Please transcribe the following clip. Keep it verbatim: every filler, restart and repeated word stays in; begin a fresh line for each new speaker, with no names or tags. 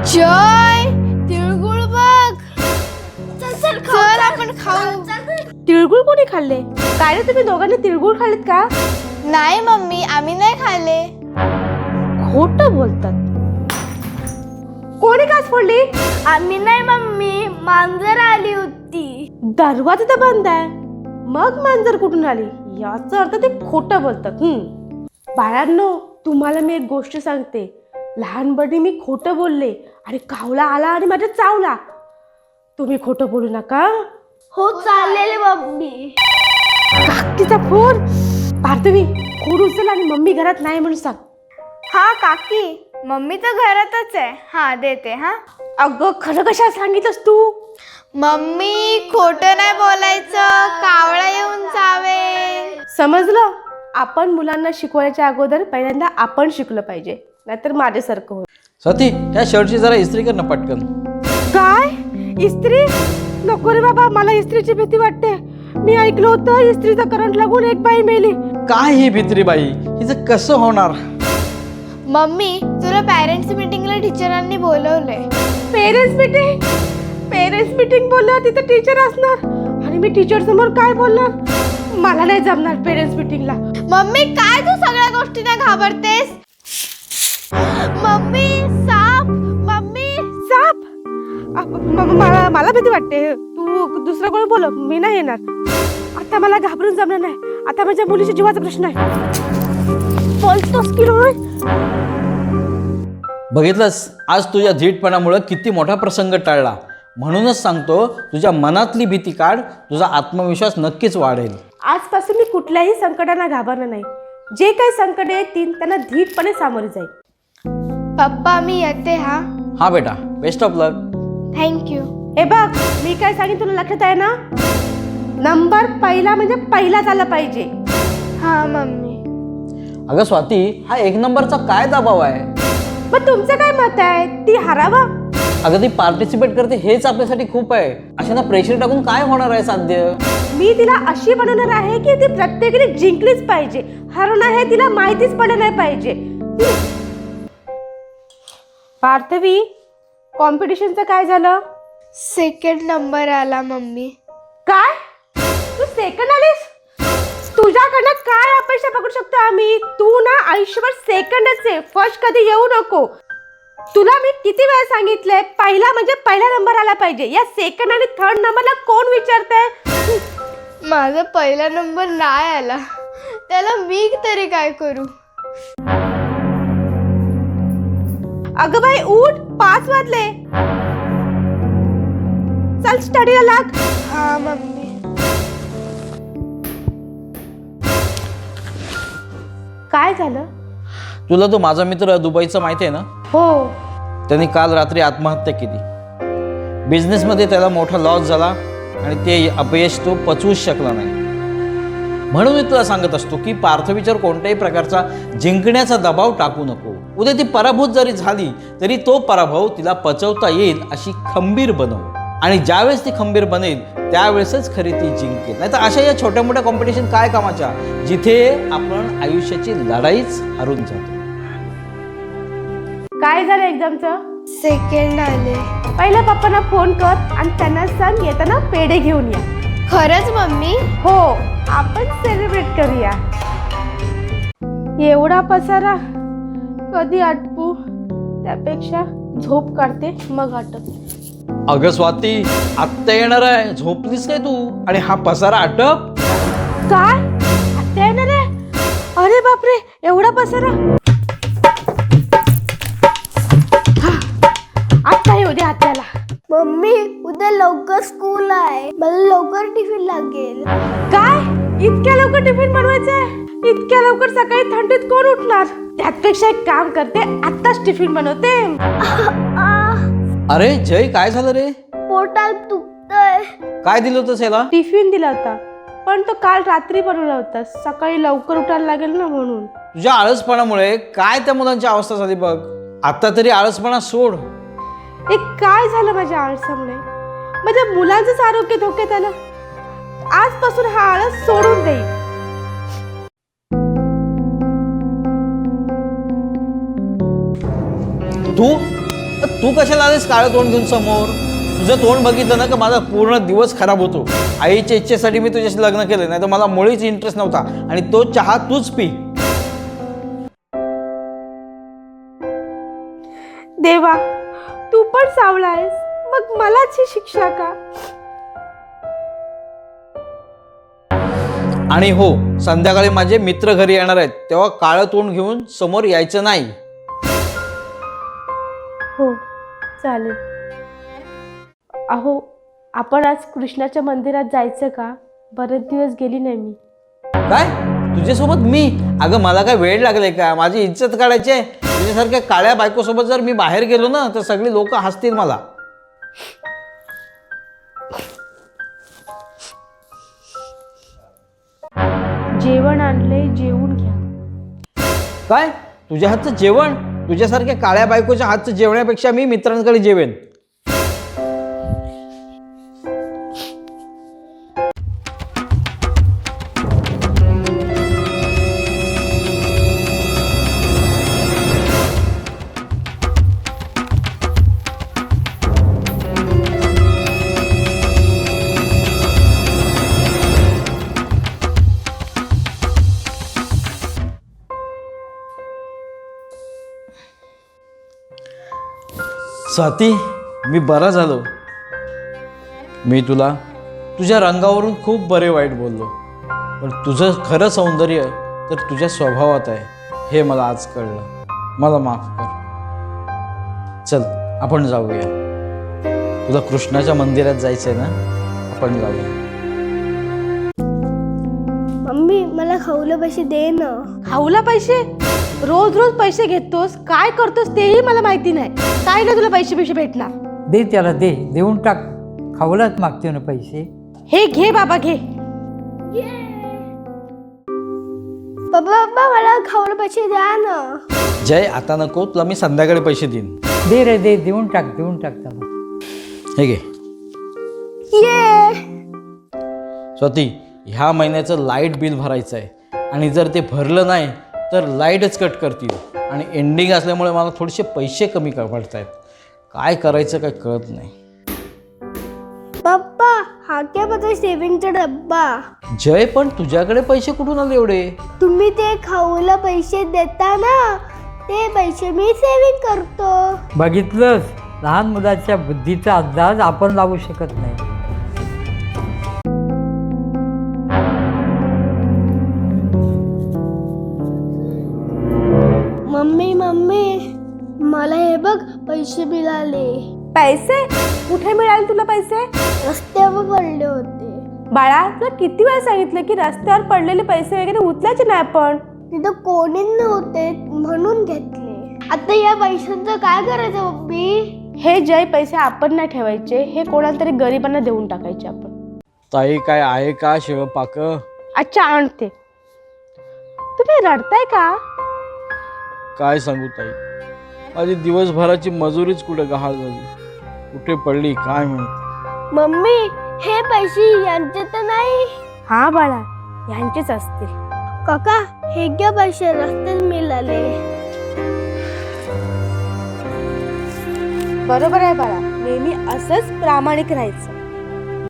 जय तिळगुळ बघ. चल आपण खाऊ.
तिळगुळ कोणी खाल्ले? काय रे तुम्ही दोघांनी तिळगुळ खाल्लेत का?
नाही मम्मी, आम्ही नाही खाल्ले.
खोटं बोलतात. कोणी काच फोडली?
आम्ही नाही मम्मी, मांजर आली होती.
दरवाजा तर बंद आहे, मग मांजर कुठून आली? याचा अर्थ ते खोटं बोलतात. हम्म बाळांनो, तुम्हाला मी एक गोष्ट सांगते. लहानपणी मी खोटं बोलले आणि कावळा आला आणि माझ्या चावला. तुम्ही खोटं बोलू नका.
हो चाललेले मम्मी.
काकीचा फोन. पार्थवी, फोन उचल आणि मम्मी घरात नाही म्हणून सांग.
हा काकी, मम्मी तर घरातच आहे. हा देते. हा
अगं खरं कशा सांगितलंस तू?
मम्मी खोटं नाही बोलायचं, कावळा येऊन चावेल.
समजलं? आपण मुलांना शिकवायच्या अगोदर पहिल्यांदा आपण शिकलं पाहिजे, नाहीतर माझ्यासारखं होईल.
स्वाती, ह्या शर्टची जरा इस्त्री कर ना पटकन.
काय इस्त्री? नको रे बाबा, मला इस्त्रीची भीती वाटते. मी ऐकलं होतं इस्त्रीचा करंट लागून एक बाई मेली.
काय ही भित्री बाई, हिचं कसं होणार?
मम्मी, तुला पॅरेंट्स मीटिंगला टीचरांनी बोलवलंय.
Parents meeting? पेरेंट्स मीटिंग बोलल्यावर तिथे टीचर असणार आणि मी टीचर समोर काय बोलणार? मला नाही जमणार पेरेंट्स मीटिंगला.
मम्मी, काय तू सगळ्या गोष्टींना घाबरतेस? मम्मी साप. मम्मी
साप? अ- म- मला मला भीती वाटते. तू दुसरं कोण बोल, मी नाही येणार. आता मला घाबरून जमणार नाही. आता माझ्या मुलीच्या जीवाचा प्रश्न आहे. बोलतोस की रोय?
बघितलंस, आज तुझ्या धीटपणामुळे किती मोठा प्रसंग टळला. म्हणूनच सांगतो, तुझ्या मनातली भीती काढ, तुझा आत्मविश्वास नक्कीच वाढेल.
आजपासून मी कुठल्याही संकटांना घाबरणार नाही. जे काही संकट येतील त्यांना धीटपणे सामोरे जाईल.
पप्पा, मी येते. हा
हा बेटा, बेस्ट ऑफ लक.
थँक्यू.
हे बघ, मी काय सांगेन तुला लक्षात आहे ना? नंबर पहिला म्हणजे पहिलाच आला पाहिजे.
हा मम्मी.
अगं स्वाती, हा एक नंबरचा काय दबाव आहे?
मग तुमचं काय मत आहे? ती हरावा?
अगं ती पार्टिसिपेट करते हेच आपल्यासाठी खूप आहे. अशांना प्रेशर टाकून काय होणार आहे साध्य?
मी तिला अशी बनवणार आहे की ती प्रत्येकाने जिंकलीच पाहिजे. हरवणं हे तिला माहितीच पडलं नाही पाहिजे. पार्थवी, कॉम्पिटिशनचं काय झालं?
सेकंड नंबर आला मम्मी.
काय? तू सेकंड आलीस? तुझ्याकडनं काय अपेक्षा पकडू शकतो आम्ही? तू ना आयुष्यभर सेकंडच आहे, फर्स्ट कधी येऊ नको. तुला मी किती वेळा सांगितलंय, पहिला म्हणजे पहिला नंबर आला पाहिजे. या सेकंड आणि थर्ड नंबरला कोण विचारतंय?
माझा पहिला नंबर नाही आला, त्याला मी तरी काय करू?
अगं बाई उठ, पाच वाजले. चल स्टडीला लाग.
हा मम्मी.
काय झालं?
तुला तो माझा मित्र दुबईचा माहिती आहे ना?
हो.
त्यांनी काल रात्री आत्महत्या केली. बिझनेसमध्ये त्याला मोठा लॉस झाला आणि ते अपयश तो पचवूच शकला नाही. म्हणून मी तुला सांगत असतो की पार्थवीच्यावर कोणत्याही प्रकारचा जिंकण्याचा दबाव टाकू नको. उद्या ती पराभूत जरी झाली तरी तो पराभव तिला पचवता येईल अशी खंबीर बनव. आणि ज्यावेळेस ती खंबीर बनेल त्यावेळेसच खरी ती जिंकेल. नाही तर अशा या छोट्या मोठ्या कॉम्पिटिशन काय कामाच्या, जिथे आपण आयुष्याची लढाईच हरून जातो.
काय झालं एक्झामचं?
सेकंड आले.
पहिल्या पप्पांना फोन कर आणि त्यांना सांग येताना पेढे घेऊन या.
खरंच मम्मी?
हो, आपण सेलिब्रेट करूया. एवढा पसारा कधी आटपू? त्यापेक्षा झोप काढते मग आटप.
अगं स्वाती, आत्ता येणार आहे, झोपलीस काय तू? आणि हा पसारा आटप?
काय? आत्या येणार आहे? अरे बापरे, एवढा पसारा? आत्ता येऊ दे आत्याला.
मम्मी, उद्या लवकर स्कूल आहे, मला लवकर टिफिन लागेल.
काय? इतक्या लवकर टिफिन बनवायचंय? इतक्या लवकर सकाळी थंडीत कोण उठणार? त्यापेक्षा एक काम करते, आत्ताच टिफिन बनवते.
अरे जय, काय झालं रे?
पोटात दुखतंय.
काय दिलं होतं याला?
टिफिन दिला होता, पण तो काल रात्री बनवला होता. सकाळी लवकर उठायला लागेल ना म्हणून.
तुझ्या आळसपणामुळे काय त्या मुलांची अवस्था झाली बघ. आता तरी आळसपणा सोड.
एक काय झालं माझ्या आळसामुळे? माझ्या मुलांचंच आरोग्य धोक्यात आलं. आजपासून हा आळस सोडून देईल.
तू तू कशाला आलीस काळं तोंड घेऊन समोर? तुझं तोंड बघितलं ना का माझा पूर्ण दिवस खराब होतो. आईच्या इच्छेसाठी मी तुझ्याशी लग्न केलं, नाही तर मला मुळीच इंटरेस्ट नव्हता. आणि तो चहा तूच पी.
देवा, तू पण सावळा आहेस, मग मलाच ही शिक्षा का?
आणि हो, संध्याकाळी माझे मित्र घरी येणार आहेत, तेव्हा काळं तोंड घेऊन समोर यायचं नाही.
हो, चालेल. अहो, आपण आज कृष्णाच्या मंदिरात जायचं का? बरेच दिवस गेली नाही मी.
काय तुझ्यासोबत मी? अगं मला काय वेळ लागले का? माझी इज्जत काढायची आहे? तुझ्यासारख्या काळ्या बायकोसोबत जर मी बाहेर गेलो ना तर सगळी लोक हसतील मला.
जेवण आणले, जेवून घ्या.
काय तुझ्या हातचं जेवण? तुझ्यासारख्या काळ्या बायकोच्या हातचं जेवण्यापेक्षा मी मित्रांकडे जेवेन. स्वाती, मी बरा झालो. मी तुला तुझ्या रंगावरून खूप बरे वाईट बोललो, पण तुझं खरं सौंदर्य तर तुझ्या स्वभावात आहे हे मला आज कळलं. मला माफ कर. चल आपण जाऊया. तुला कृष्णाच्या मंदिरात जायचंय ना? आपण जाऊया.
मम्मी मला खाऊला पैसे दे ना.
खाऊला पैसे? रोज रोज पैसे घेतोस, काय करतोस तेही मला माहिती नाही. काय ना तुला पैसे पैसे भेटणार?
दे त्याला, दे, देऊन टाक. खावलाच मागते ना पैसे.
हे घे बाबा, घे.
पप्पा पप्पा मला खाऊला पैसे द्या ना.
जय, आता नको, तुला मी संध्याकाळी पैसे देईन.
दे रे, दे, देऊन टाक, देऊन टाक त्याला.
हे घे.
ये
स्वाती, ह्या महिन्याचं लाईट बिल भरायचं आहे आणि जर ते भरलं नाही तर लाईटच कट करतील. आणि एंडिंग असल्यामुळे मला थोडेसे पैसे कमी पडत आहेत. काय करायचं काय कळत नाही.
पप्पा हा क्या माझा सेविंगचा डब्बा.
जय, पण तुझ्याकडे पैसे कुठून आले एवढे?
तुम्ही ते खाऊला पैसे देता ना, ते पैसे मी सेविंग करतो.
बघितलंस, लहान मुलाच्या बुद्धीचा अंदाज आपण लावू शकत नाही.
मम्मी मम्मी मला हे बघ पैसे मिळाले.
पैसे? कुठे मिळाले तुला पैसे?
रस्त्यावर पडले होते.
बाळा, तुला किती वेळा सांगितलं की रस्त्यावर पडलेले पैसे वगैरे उचलायचे नाही आपण.
तिथं कोणी नव्हते म्हणून घेतले. आता या पैशांचं काय करायचं मम्मी?
हे जय पैसे आपण नाही ठेवायचे, हे कोणाला तरी गरिबांना देऊन टाकायचे आपण.
ताई, काय आहे का शिवपाक?
अच्छा, आणते. तुम्ही रडताय का?
काय सांगू ताई, माझी दिवसभराची मजुरीच कुठे गहाळ झाली, कुठे पडली काय माहिती.
मम्मी हे पैसे यांचे तर नाही?
हा बाळा, यांचेच असतील.
काका हे क्या पैसे रस्त्यात मिळाले?
बरोबर आहे बाळा, नेहमी असंच प्रामाणिक राहायचं.